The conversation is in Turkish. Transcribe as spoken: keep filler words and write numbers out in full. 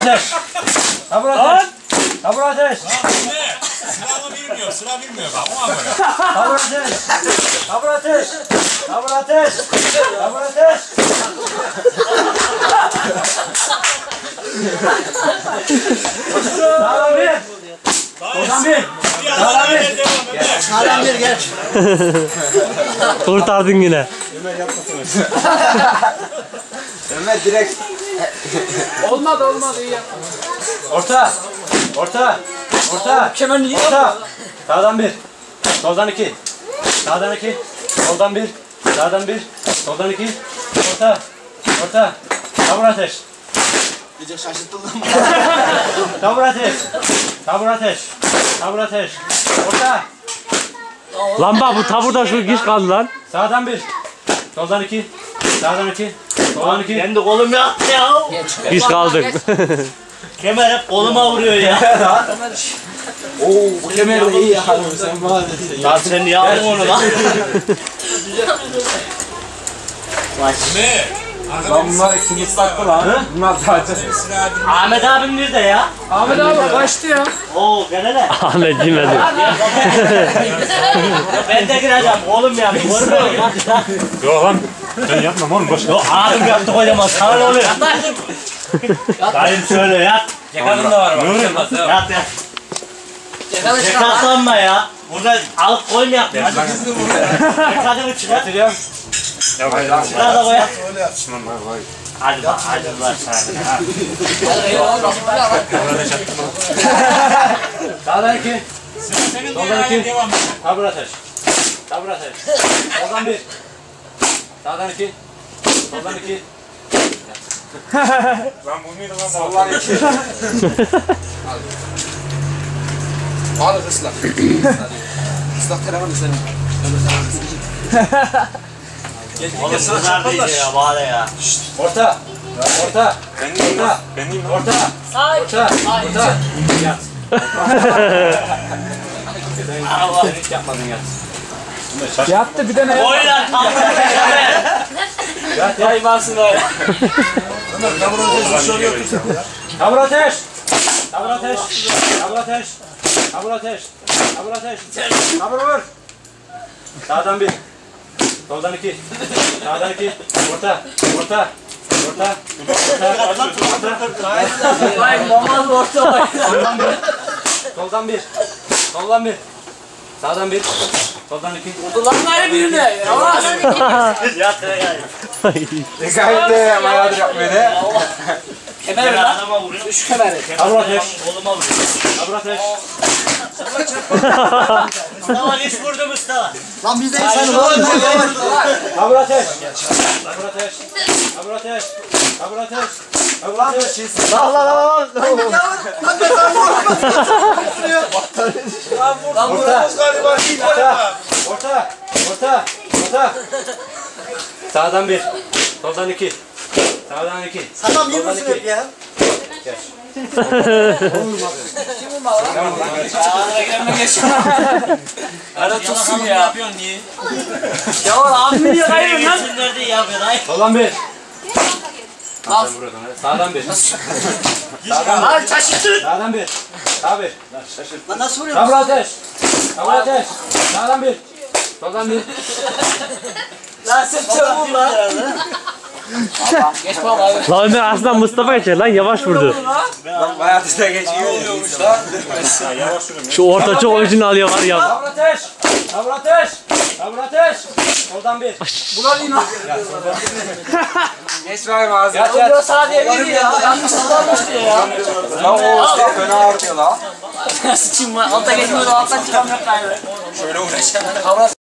Tabur ateş. Tabur ateş. Ne? Sıramı bilmiyor, sıra bilmiyor bak ona göre. Tabur ateş. Tabur ateş. Tabur ateş. Tabur ateş. Sağdan bir. Soldan bir. Sağdan bir. Sağdan bir geç. Kurtardın yine. Ömer yapmasın. Ömer direkt. Olmadı olmadı iyi yapma. Orta. Orta. Orta. Kemer niye Orta. Sağdan bir. Soldan iki. Sağdan iki. Soldan bir. Sağdan bir. Soldan iki. Orta. Orta. Tabur ateş. İyice şaşırttın lan. Tabur ateş. Tabur ateş. Tabur ateş. Orta. Lan bak bu taburda şu giş kaldı lan. Sağdan bir. Soldan iki. Sağdan iki. Soldan iki. Kendi kolum yaktı ya. Giş kaldık. Kemer hep koluma vuruyor ya. Oo bu kemer de iyi ya hanım sen maalesef. Lan sen niye aldın onu lan? Ne? Lan bunlar ikimiz saklı lan. Bunlar zaten. Ahmet abim nerede ya? Ahmet abi kaçtı ya. Oo gel hele. Ahmet girmedi. Ben de gireceğim oğlum ya. Görmüyor musun? Yok lan. Ben yapmam oğlum boş. Yok abim yaptı kocaman. Sana ne oluyor? Dayım şöyle yat. Cekatın da var bak. Yat yat. Cekatlanma ya. Burada alıp koymayak. Cekatını çıkar. Getiriyorum. Çıkar da koyak. Hadi bak hadi bak. Sağdan iki. Senin Soldan de iki. devam et. Tabur ateş. Tabur ateş. Soldan bir. Sağdan iki. Soldan iki. Lan bu muydu lan? Sallar iki. Al ıslak. Islak telefonu senin. Oğlum bunlar değil ya bari ya. Orta. Orta. Benim Orta. Benim Orta. Orta. Orta. Yat. Allah hiç yapmadın yat. Yattı bir de ne? Oyla tam. Yat yat. Hayvansın öyle. Tabur ateş. Tabur ateş. Tabur ateş. Tabur ateş. Tabur ateş. Tabur vur. Sağdan bir. Soldan iki. Sağdan iki. Orta. Orta. Orta. Orta. Orta. Vay normal orta vay. Soldan bir. Soldan bir. Soldan bir. Sağdan bir. Soldan iki. Ulan ne birine? Yavaş. Yat ya gel. Gayet de bayağıdır yapmıyor ne? Kemer Ben lan. adama vuruyorum. Üç kemeri. Tabur ateş. Koluma vuruyor. Tabur ateş. Mustafa geç vurdu Mustafa. Lan biz de insan olalım. Tabur ateş. Tabur ateş. Tabur ateş. Tabur ateş. Tabur ateş. Lan lan lan lan. Lan buramız galiba iyi orta. Orta. Orta. Orta. Sağdan bir. Soldan iki. Sağdan iki. Tamam yürüsün hep ya. Geç. Kim bu mal lan? Ağzına gelme geç. Ara tutsun ya. Yapıyorsun niye? Ya abi niye kaybın lan? Geçsinler diye yapıyor ay. Soldan bir. Al. Sağdan bir. Lan şaşırtın. Sağdan bir. Sağ bir. Lan nasıl vuruyor? Tabur ateş. Tabur ateş. Sağdan bir. Soldan bir. Lan sen çabuk lan. Allah geç baba abi. Lan Ömer aslında Mustafa geçer lan yavaş vurdu. Lan bayağı da geçiyor. Lan. Şu orta çok oyuncunu alıyor var ya. Tabur ateş. Tabur ateş. Tabur ateş. Soldan bir. Ulan in lan. Geç ver ağzına. Yat Ulan yat. sana diye biri ya. Yanlış kullanmış diye ya. Lan o işte fena ağrıyor lan. Sıçayım lan. Alta geçmiyor da alttan çıkamıyor gayrı. Şöyle uğraşalım.